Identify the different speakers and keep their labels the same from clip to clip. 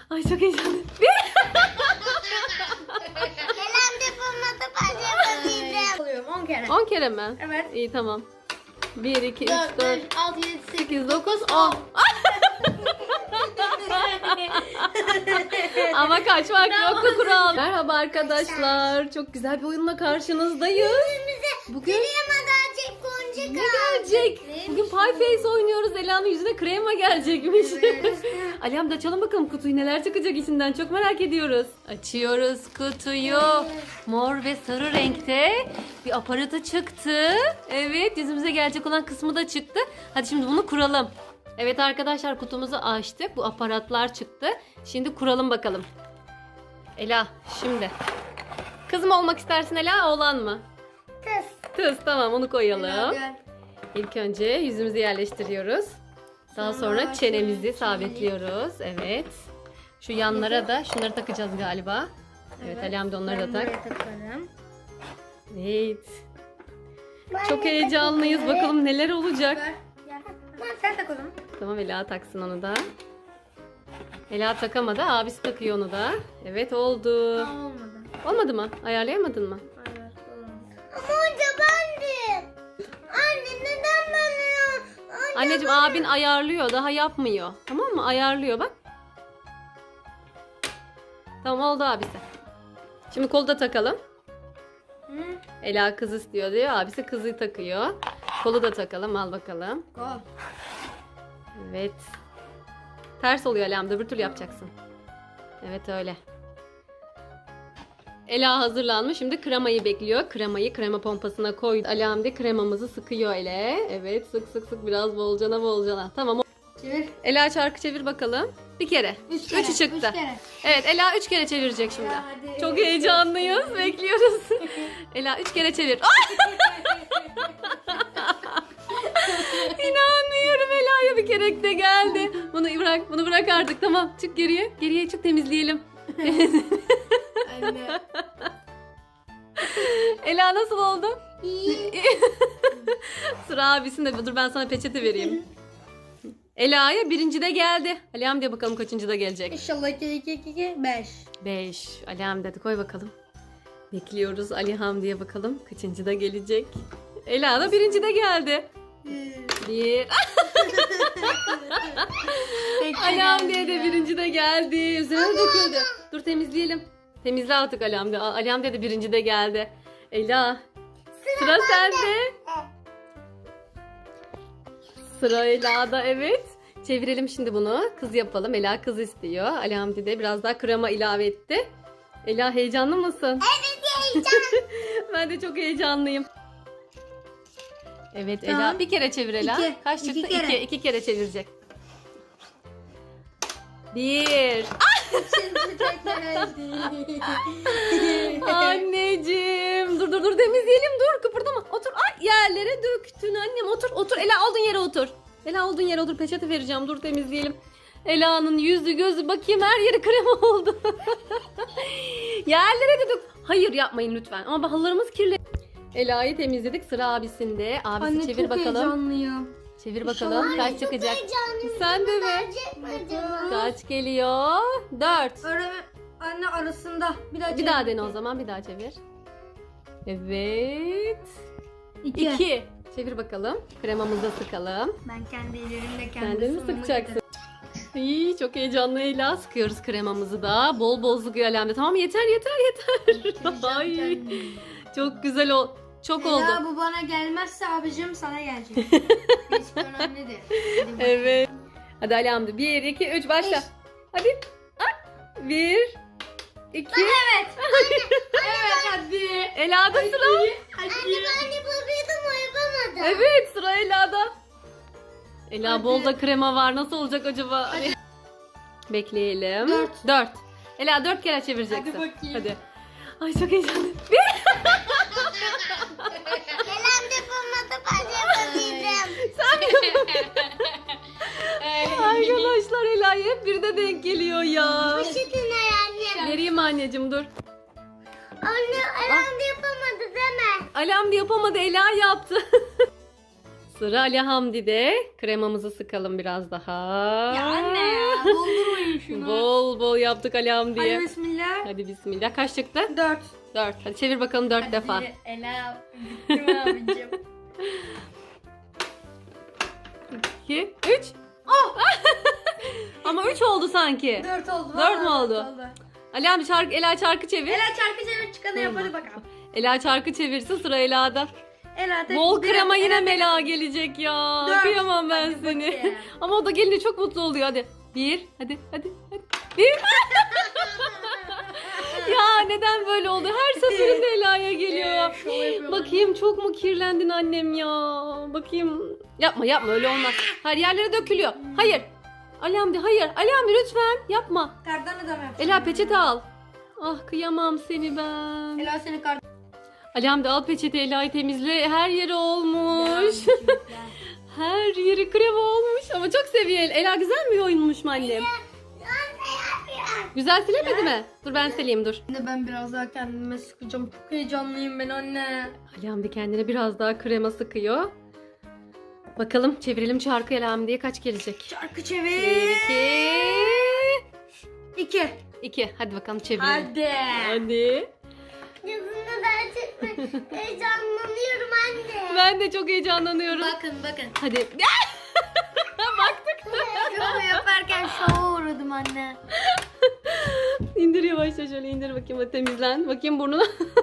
Speaker 1: Ay çok heyecanlı.
Speaker 2: Elimde bulmadı başlamalıydım.
Speaker 3: Alıyorum 10 kere.
Speaker 1: 10 kere mi?
Speaker 3: Evet.
Speaker 1: İyi tamam. 1, 2, 3,
Speaker 3: 4,
Speaker 1: 4,
Speaker 3: 5, 6, 7, 8.
Speaker 1: 8, 9, 10. Ama kaçmak yok bu kural. Merhaba arkadaşlar. Çok güzel bir oyunla karşınızdayız. Bugün
Speaker 2: Kremadan gonca
Speaker 1: ne gelecek? Bugün Pie Face oynuyoruz. Ela'nın yüzüne krema gelecekmiş. Alihan da açalım bakalım kutuyu, neler çıkacak içinden. Çok merak ediyoruz. Açıyoruz kutuyu. Mor ve sarı renkte bir aparatı çıktı. Evet, yüzümüze gelecek olan kısmı da çıktı. Hadi şimdi bunu kuralım. Evet arkadaşlar, kutumuzu açtık. Bu aparatlar çıktı. Şimdi kuralım bakalım. Ela şimdi. Kız mı olmak istersin Ela, oğlan mı?
Speaker 2: Kız.
Speaker 1: Kız, tamam, onu koyalım.
Speaker 3: Gel.
Speaker 1: İlk önce yüzümüzü yerleştiriyoruz. Daha sonra çenemizi sabitliyoruz. Evet. Şu yanlara da şunları takacağız galiba. Evet, Alihan da onları da tak.
Speaker 3: Buraya takarım.
Speaker 1: Evet. Çok heyecanlıyız. Bakalım neler olacak.
Speaker 3: Ver. Gel. Sen tak o zaman.
Speaker 1: Tamam, Ela taksın onu da. Ela takamadı. Abisi takıyor onu da. Evet, oldu.
Speaker 3: Olmadı.
Speaker 1: Olmadı mı? Ayarlayamadın mı?
Speaker 3: Evet olmadı.
Speaker 2: Ama önce bendim. Anne neden bana?
Speaker 1: Anneciğim, abin ayarlıyor. Daha yapmıyor. Tamam mı? Ayarlıyor bak. Tamam, oldu abisi. Şimdi kolu da takalım.
Speaker 3: Hı?
Speaker 1: Ela kız istiyor diyor. Abisi kızı takıyor. Kolu da takalım. Al bakalım.
Speaker 3: Gol.
Speaker 1: Evet. Ters oluyor Ela'm. Öbür türlü yapacaksın. Evet, öyle. Ela hazırlanmış. Şimdi kremayı bekliyor. Kremayı krema pompasına koydu. Ela'm de kremamızı sıkıyor ele. Evet, sık sık sık, biraz bolcana bolcana. Tamam.
Speaker 3: Çevir.
Speaker 1: Ela çarkı çevir bakalım. Bir kere.
Speaker 3: 3 kere.
Speaker 1: Üçü çıktı.
Speaker 3: 3 kere.
Speaker 1: Evet, Ela 3 kere çevirecek şimdi.
Speaker 3: Ya hadi.
Speaker 1: Çok heyecanlıyız. Bekliyoruz. Ela 3 kere çevir. İnanmıyorum, Ela'ya bir kere de geldi. Bunu bırak artık. Tamam, çık geriye. Geriye çık, temizleyelim.
Speaker 3: Anne.
Speaker 1: Ela nasıl oldu?
Speaker 2: İyi.
Speaker 1: Sıra abisinde. Dur, ben sana peçete vereyim. Ela'ya birincide geldi. Alihan diye bakalım kaçıncıda gelecek.
Speaker 3: İnşallah 2 5.
Speaker 1: 5. Alihan dedi, koy bakalım. Bekliyoruz Alihan diye bakalım kaçıncıda gelecek. Ela da birincide geldi. 1. Alihan diye de birincide geldi. Üzerine döküldü. Dur, temizleyelim. Temizle artık Alihan diye. Alihan diye de birincide geldi. Ela. Sıra sende. Sıra Ela'da, evet. Çevirelim şimdi bunu. Kız yapalım. Ela kız istiyor. Ali Hamdi de biraz daha krema ilave etti. Ela, heyecanlı mısın?
Speaker 2: Evet heyecan.
Speaker 1: Ben de çok heyecanlıyım. Evet Ela,
Speaker 3: Tamam.
Speaker 1: bir kere çevir Ela.
Speaker 3: İki.
Speaker 1: Kaç çıktı?
Speaker 3: İki kere.
Speaker 1: 2 kere çevirecek. 1. Anneciğim. Dur temizleyelim, dur kıpırdama. Otur. Ay, yerlere döktün annem. Otur. Ela, olduğun yere otur. Ela, olduğun yere otur. Peçete vereceğim. Dur, temizleyelim. Ela'nın yüzü gözü, bakayım, her yeri krema oldu. Yerlere de dök. Hayır, yapmayın lütfen. Ama halılarımız kirli. Ela'yı temizledik. Sıra abisinde. Abisi
Speaker 3: Anne
Speaker 1: çevir
Speaker 3: çok
Speaker 1: bakalım.
Speaker 3: heyecanlıyım.
Speaker 1: Çevir bakalım. Kaç çıkacak? Sen de mi?
Speaker 2: Gelecek mi acaba?
Speaker 1: Kaç geliyor? 4.
Speaker 3: Anne arasında.
Speaker 1: Bir daha dene o zaman. Bir daha çevir. Evet.
Speaker 3: 2.
Speaker 1: 2. Çevir bakalım. Kremamızı da sıkalım.
Speaker 3: Ben kendi ellerimle
Speaker 1: Sen de mi sıkacaksın? İyi, çok heyecanlı Ela. Sıkıyoruz kremamızı da. Bol bol sıkıyor Alemde. Tamam, yeter. Ay, çok güzel çok oldu.
Speaker 3: Ela bu bana gelmezse abicim sana gelecek. Hiç önemli değil.
Speaker 1: Evet. Hadi Alemde. 1, 2, 3 başla. Hadi. 1, 2.
Speaker 3: Evet hadi.
Speaker 1: Ela'da sıra.
Speaker 3: Hadi.
Speaker 2: Ben yapabiliyordum o yapamadım.
Speaker 1: Evet, sıra Ela'da. Ela,
Speaker 3: Hadi.
Speaker 1: bol da krema var. Nasıl olacak acaba? Bekleyelim.
Speaker 3: Dört.
Speaker 1: 4. Ela 4 kere çevireceksin.
Speaker 3: Hadi bakayım.
Speaker 1: Hadi. Ay, çok heyecanlıyım.
Speaker 2: Elimde bulmadı başlamalıydım.
Speaker 1: Arkadaşlar, Ela'ya hep bir de denk geliyor ya.
Speaker 2: Poşetin anne.
Speaker 1: Vereyim anneciğim, dur.
Speaker 2: Anne elimde yapamadı deme.
Speaker 1: Alam da yapamadı, Ela yaptı. Sıra Ali Hamdi'de. Kremamızı sıkalım biraz daha.
Speaker 3: Ya anne ya doldurmayın şunu.
Speaker 1: Bol bol yaptık Ali Hamdi'ye.
Speaker 3: Hadi bismillah.
Speaker 1: Hadi bismillah. Kaç çıktı?
Speaker 3: 4.
Speaker 1: 4. Hadi çevir bakalım 4 defa.
Speaker 3: Hadi Ela. Bitti abicim.
Speaker 1: 2, 3. Oh! Ama 3 oldu sanki.
Speaker 3: 4 oldu.
Speaker 1: Dört mü
Speaker 3: vallahi
Speaker 1: oldu?
Speaker 3: dört
Speaker 1: Ali Hamdi Ela çarkı çevir.
Speaker 3: Ela çarkı çevir çıkanı yap hadi bakalım.
Speaker 1: Ela çarkı çevirsin, sıra Ela'da.
Speaker 3: Ela tek
Speaker 1: Bol
Speaker 3: bir-
Speaker 1: krema yine
Speaker 3: Ela tek-
Speaker 1: Mela gelecek ya.
Speaker 3: Dört.
Speaker 1: Kıyamam ben
Speaker 3: Hadi
Speaker 1: seni.
Speaker 3: bakayım.
Speaker 1: Ama o da gelince çok mutlu oluyor. Hadi. 1. Hadi. 1. Ya neden böyle oldu? Her seferinde Ela'ya geliyor.
Speaker 3: Şov yapıyorum.
Speaker 1: Bakayım çok mu kirlendin annem ya? Bakayım. Yapma öyle olmaz. Her yerlere dökülüyor. Hayır. Ali Hamdi hayır. Ali Hamdi lütfen yapma.
Speaker 3: Kardan adam yapacağım.
Speaker 1: Ela peçete al. Ah kıyamam seni ben.
Speaker 3: Ela seni kardan.
Speaker 1: Ali Hamdi al peçete, Ela'yı temizle. Her yeri olmuş. Her yeri krema olmuş ama çok seviyor. Ela güzel mi oyunmuş mu annem? Güzel silemedi mi? Dur ben sileyim dur.
Speaker 3: Şimdi ben biraz daha kendime sıkacağım. Çok heyecanlıyım ben anne.
Speaker 1: Ali Hamdi kendine biraz daha krema sıkıyor. Bakalım çevirelim çarkı Ali Hamdi'ye kaç gelecek?
Speaker 3: Çarkı
Speaker 1: 1,
Speaker 3: çevir.
Speaker 1: 2,
Speaker 3: 2.
Speaker 1: 2. Hadi bakalım çevirelim.
Speaker 3: Hadi.
Speaker 1: Hadi.
Speaker 2: Yüzümü gerçekten heyecanlanıyorum anne.
Speaker 1: Ben de çok heyecanlanıyorum.
Speaker 3: Bakın.
Speaker 1: Hadi. Baktık.
Speaker 3: Şovu yaparken şova uğradım anne.
Speaker 1: İndir yavaşça şöyle indir bakayım, hadi temizlen. Bakayım burnuna.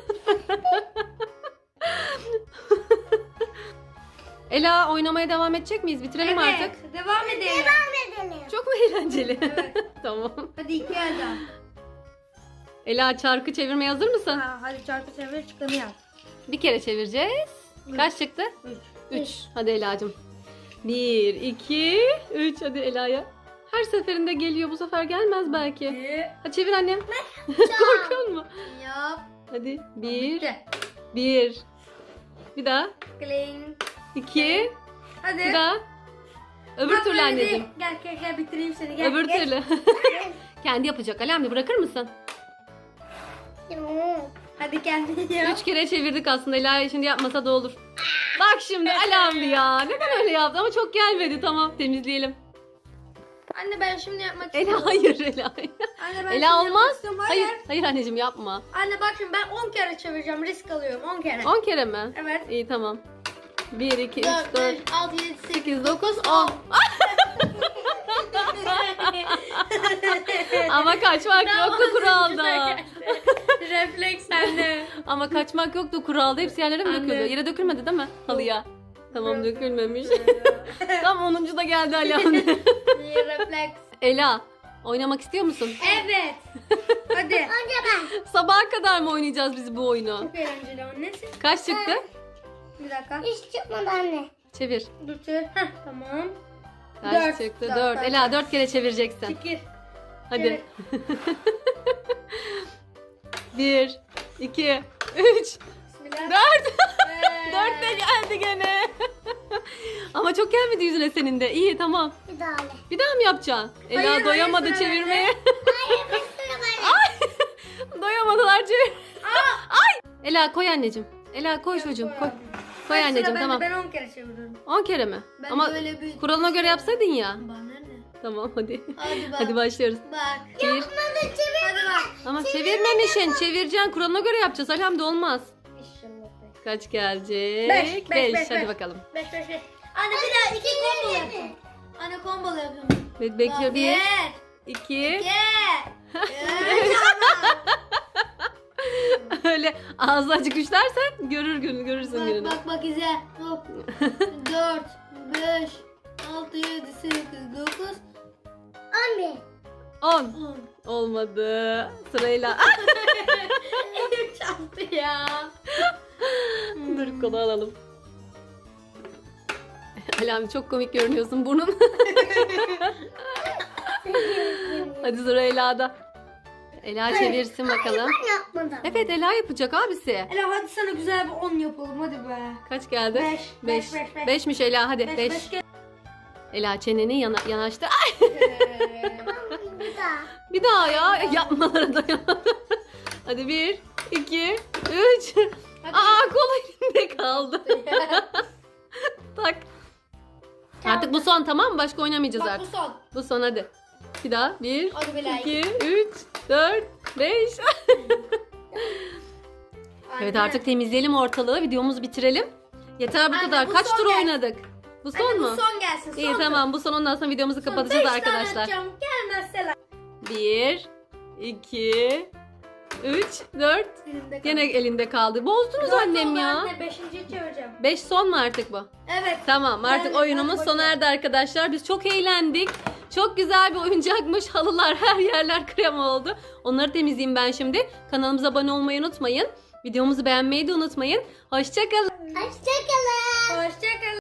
Speaker 1: Ela oynamaya devam edecek miyiz? Bitirelim artık.
Speaker 3: Devam edelim.
Speaker 2: Devam edelim.
Speaker 1: Çok mu eğlenceli?
Speaker 3: Evet.
Speaker 1: Tamam.
Speaker 3: Hadi 2 elden.
Speaker 1: Ela çarkı çevirmeye hazır mısın?
Speaker 3: Ha, hadi çarkı çevir çıkanı yap.
Speaker 1: Bir kere çevireceğiz. Kaç çıktı?
Speaker 3: 3.
Speaker 1: 3. Hadi Ela'cığım. 1, 2, 3. Hadi Ela'ya. Her seferinde geliyor. Bu sefer gelmez belki. Hadi çevir annem. Korkuyor musun?
Speaker 3: Yap.
Speaker 1: Hadi. 1,
Speaker 3: Bitti.
Speaker 1: 1. Bir daha.
Speaker 3: Clean.
Speaker 1: 2.
Speaker 3: Hadi.
Speaker 1: Bir daha. Öbür
Speaker 3: Bak
Speaker 1: türlü
Speaker 3: böyle
Speaker 1: anneciğim.
Speaker 3: değil. Gel bitireyim seni. Gel.
Speaker 1: Öbür
Speaker 3: gel.
Speaker 1: türlü. Kendi yapacak. Alemdi bırakır mısın?
Speaker 2: Yok.
Speaker 3: Hadi kendini yap.
Speaker 1: 3 kere çevirdik aslında. Ela şimdi yapmasa da olur. Bak şimdi Alemdi ya. Neden öyle yaptı? Ama çok gelmedi. Tamam temizleyelim.
Speaker 3: Anne ben şimdi yapmak
Speaker 1: Ela
Speaker 3: istiyorum.
Speaker 1: hayır Ela.
Speaker 3: Anne ben şimdi
Speaker 1: Ela
Speaker 3: yapmak
Speaker 1: olmaz.
Speaker 3: istiyorum.
Speaker 1: Hayır. Hayır anneciğim yapma.
Speaker 3: Anne bak şimdi ben 10 kere çevireceğim. Risk alıyorum 10 kere.
Speaker 1: 10 kere mi?
Speaker 3: Evet.
Speaker 1: İyi tamam. 1, 2, 3,
Speaker 3: 4,
Speaker 1: 4,
Speaker 3: 5, 6, 7, 8.
Speaker 1: 8, 9, 10. Ama kaçmak yoktu kuralda.
Speaker 3: Refleks anne.
Speaker 1: Ama kaçmak yoktu kuralda. Hepsi yerlere mi
Speaker 3: Anne.
Speaker 1: döküldü? Yere dökülmedi değil mi? Halıya. Tamam dökülmemiş. Tam 10. da geldi Alemdi.
Speaker 3: Refleks.
Speaker 1: Ela oynamak istiyor musun?
Speaker 3: Evet. Hadi.
Speaker 2: Önce ben.
Speaker 1: Sabaha kadar mı oynayacağız biz bu oyunu?
Speaker 3: Çok eğlenceli annesi.
Speaker 1: Kaç çıktı?
Speaker 3: Bir dakika.
Speaker 2: Hiç çıkmadı anne.
Speaker 1: Çevir.
Speaker 3: Dur çevir. Heh, tamam.
Speaker 1: Kaç
Speaker 3: Dört.
Speaker 1: çıktı?
Speaker 3: Dört,
Speaker 1: 4.
Speaker 3: dört.
Speaker 1: Ela 4 kere çevireceksin.
Speaker 3: Çekil.
Speaker 1: Hadi. 1, 2, 3, 4.
Speaker 3: Bismillah.
Speaker 1: 4 de geldi gene. Ama çok gelmedi yüzüne senin de. İyi tamam.
Speaker 2: Bir daha öyle.
Speaker 1: Bir daha mı yapacaksın? Ela
Speaker 3: Hayır,
Speaker 1: doyamadı
Speaker 3: hayır, sıra
Speaker 1: çevirmeye.
Speaker 2: Hayır bir sürü böyle.
Speaker 1: Doyamadılar çevir. Ay! Ela koy anneciğim. Ela koy çocuğum koy. Koy
Speaker 3: Bak,
Speaker 1: anneciğim
Speaker 3: sıra bende,
Speaker 1: tamam.
Speaker 3: Ben 10 kere çeviriyorum.
Speaker 1: 10 kere mi?
Speaker 3: Ben
Speaker 1: Ama
Speaker 3: böyle bir...
Speaker 1: kuralına göre yapsaydın ya.
Speaker 3: Bana ne?
Speaker 1: Tamam hadi.
Speaker 3: Hadi bak.
Speaker 1: Hadi başlıyoruz.
Speaker 3: Bak.
Speaker 1: Bir.
Speaker 3: Hadi bak.
Speaker 1: Ama çevirmemişsin. Çevireceksin. Kuralına göre yapacağız. Alhamdülillah olmaz.
Speaker 3: İnşallah.
Speaker 1: Kaç gelecek?
Speaker 3: Beş, beş, beş,
Speaker 1: Hadi
Speaker 3: beş.
Speaker 1: bakalım.
Speaker 3: 5 5 5. Anne bir daha 2 combo yapalım. Anne combo yapalım.
Speaker 1: Bekliyor. 1,
Speaker 3: 1
Speaker 1: 2.
Speaker 3: 2
Speaker 1: Öyle ağzı açık üçlersen görürsün gününü.
Speaker 3: Bak izle. Hop. 4 5 6 7 8 9
Speaker 2: Anne.
Speaker 1: 10.
Speaker 3: 10.
Speaker 1: Olmadı. Sırayla.
Speaker 3: Elim çarptı ya.
Speaker 1: Dur kola alalım. Alami çok komik görünüyorsun burnun. Hadi sıra Ela'da. Ela çevirsin bakalım.
Speaker 2: Ben yapmadım.
Speaker 1: Evet Ela yapacak abisi.
Speaker 3: Ela hadi sana güzel bir 10 yapalım hadi be.
Speaker 1: Kaç geldi?
Speaker 3: Beş,
Speaker 1: 5.
Speaker 3: beş, beş.
Speaker 1: 5'miş Ela hadi
Speaker 3: 5
Speaker 1: 5.
Speaker 3: 5
Speaker 1: Ela çeneni yanaştı. Ay,
Speaker 2: Bir daha.
Speaker 1: bir daha ya yapmalara dayanamadım. Hadi 1, 2, 3. Aa kola elimde kaldı. Tak. Artık bu son, tamam mı? Başka oynamayacağız
Speaker 3: Bak bu
Speaker 1: artık.
Speaker 3: son.
Speaker 1: Bu son, hadi. Bir daha. 1,
Speaker 3: Hadi be like.
Speaker 1: 2, 3, 4, 5. Evet,
Speaker 3: Anne.
Speaker 1: artık temizleyelim ortalığı. Videomuzu bitirelim. Yeter bu
Speaker 3: Anne,
Speaker 1: kadar.
Speaker 3: bu
Speaker 1: Kaç
Speaker 3: son
Speaker 1: tur
Speaker 3: gelsin.
Speaker 1: oynadık? Bu son
Speaker 3: Anne,
Speaker 1: mu?
Speaker 3: bu son gelsin.
Speaker 1: İyi,
Speaker 3: son
Speaker 1: tamam, bu son, ondan sonra videomuzu
Speaker 3: Son
Speaker 1: kapatacağız
Speaker 3: 5 tane
Speaker 1: arkadaşlar.
Speaker 3: atacağım. Gelmezse like.
Speaker 1: 1, 2, 3, 4.
Speaker 3: Elimde
Speaker 1: Gene elinde kaldı. Bozdunuz annem ya.
Speaker 3: Anne 5.'yi çevireceğim.
Speaker 1: 5 son mu artık bu?
Speaker 3: Evet.
Speaker 1: Tamam, artık
Speaker 3: Ben-
Speaker 1: oyunumuz
Speaker 3: ben
Speaker 1: sona erdi arkadaşlar. Biz çok eğlendik. Çok güzel bir oyuncakmış. Halılar, her yerler krem oldu. Onları temizleyeyim ben şimdi. Kanalımıza abone olmayı unutmayın. Videomuzu beğenmeyi de unutmayın. Hoşçakalın.
Speaker 2: Hoşçakalın.
Speaker 3: Hoşçakalın.